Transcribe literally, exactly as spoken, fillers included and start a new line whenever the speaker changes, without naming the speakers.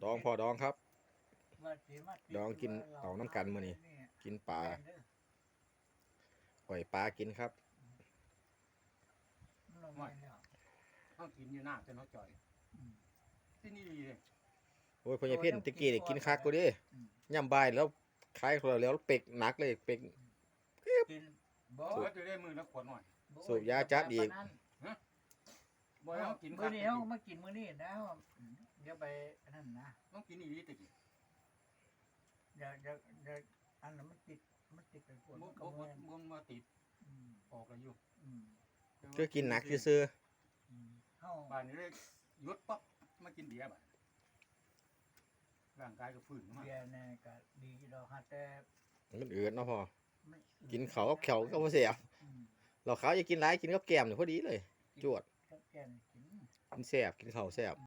องพอดองครับ
ว่าสิมาติ
ดองกินเอาน้ำกันมื้อนี้ กินปลาปล่อยปลากินครับ
ลงไปแล้ว
เขากินอยู่หน้าจนเขาจ่อย
อืม
ที่นี่ดีเลย
โอ้ยพ่อใหญ่เพ่นตะกี้ได้กินคักกูดิ
อืม
ย่ำบ่ายแล้วคล้ายคนแล้วเป็กหนักเลยเป็ก
กินบ่
เพราะจะได้มือละขวดหน่อย
สูบยาจัดอีก
บ่ให้เขากิน
มื้อนี้เฮามากินมื้อนี้นะเดี๋ยวไปอันนั้นนะ
ต้องกินอีกตะกี้
เดี๋ยวเดี๋ยวเดี๋ยวอันนั้นมันติดมันติดไปปวด
บ่
มันก็
บ่
บ่
บ่
แม่น
บ่มาติด
อืม
Ừ.
ออกแล้วอยู่
อืม
ก็กินหนักซื่อ
อืมเฮา
บ้านนี้เลยหยุดปั๊บมากินเบียร์บ้านร่างกายก็ฟื้นขึ้นมา
เบียร์เนี่ยก็ดีดอกฮะแต่
ๆมันอืดเนาะพ่อ
ไม่
กินเขาวกับเขียวก็บ่เสียบ
อืม
เราขาวอย่ากินหลายกินกับแกล้มนี่พอดีเลย จวด
กับแกนกิน
กินแซ่บกินข้าวแซ่บ